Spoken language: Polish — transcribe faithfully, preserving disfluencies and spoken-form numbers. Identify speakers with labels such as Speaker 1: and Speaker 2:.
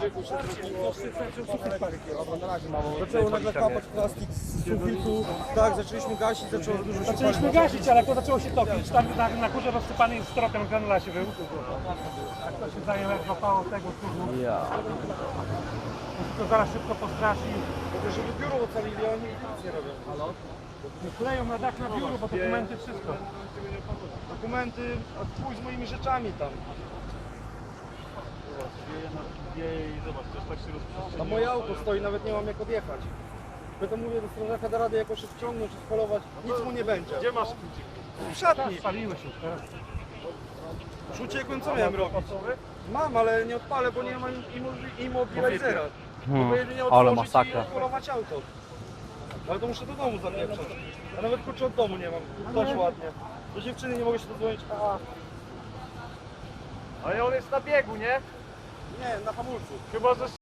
Speaker 1: Zaczęło nagle kapać plastik z sufitu, tak, zaczęliśmy gasić, zaczęło dużo się
Speaker 2: Zaczęliśmy gasić, ale to zaczęło się topić. Tam na, na górze rozsypany jest stropem granulacie był. Jak to się zajęło, jak złapało tego kurzu.
Speaker 3: Ja.
Speaker 2: To zaraz szybko postraszy.
Speaker 1: Mówię, żeby biuro ocalili, a oni nic nie robią.
Speaker 2: Kleją na dach na biuro, bo dokumenty, wszystko.
Speaker 1: Dokumenty, a chuj z moimi rzeczami tam. A moje auto stoi, nawet nie mam jak odjechać. Pytam, mówię do strażaka, da radę jakoś wciągnąć, spolować, nic mu nie będzie. Gdzie masz kluczyk? W szatni.
Speaker 2: Spaliły się już teraz.
Speaker 1: Już uciekłem, co miałem robić? Mam, ale nie odpalę, bo nie mam immobilizera.
Speaker 3: Hmm,
Speaker 1: Mogę jedynie
Speaker 3: ale
Speaker 1: otworzyć
Speaker 3: masakra.
Speaker 1: i polować auto. Ale to muszę do domu zapieprzać. Ja nawet kluczy od domu nie mam. Dość ładnie. Do dziewczyny nie mogę się dodzwonić. A,
Speaker 2: Ale on jest na biegu, nie?
Speaker 1: nie, na hamulcu.
Speaker 2: Chyba, że